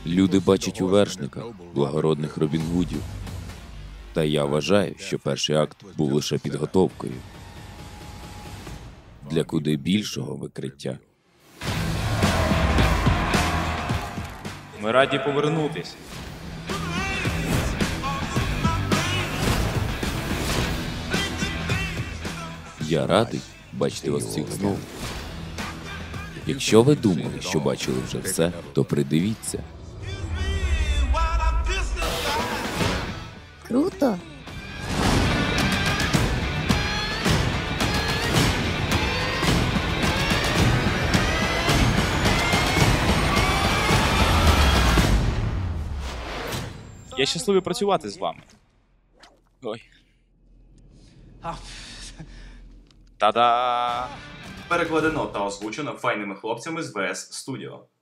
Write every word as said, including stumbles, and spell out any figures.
Люди бачать у вершниках благородних Робін Гудів. Та я вважаю, що перший акт був лише підготовкою для куди більшого викриття. Ми раді повернутись. Я радий бачити вас всіх знову. Якщо ви думали, що бачили вже все, то придивіться. Круто. Я щасливий працювати з вами. Ой. Та-да! Перекладено та озвучено файними хлопцями з ВС Studio.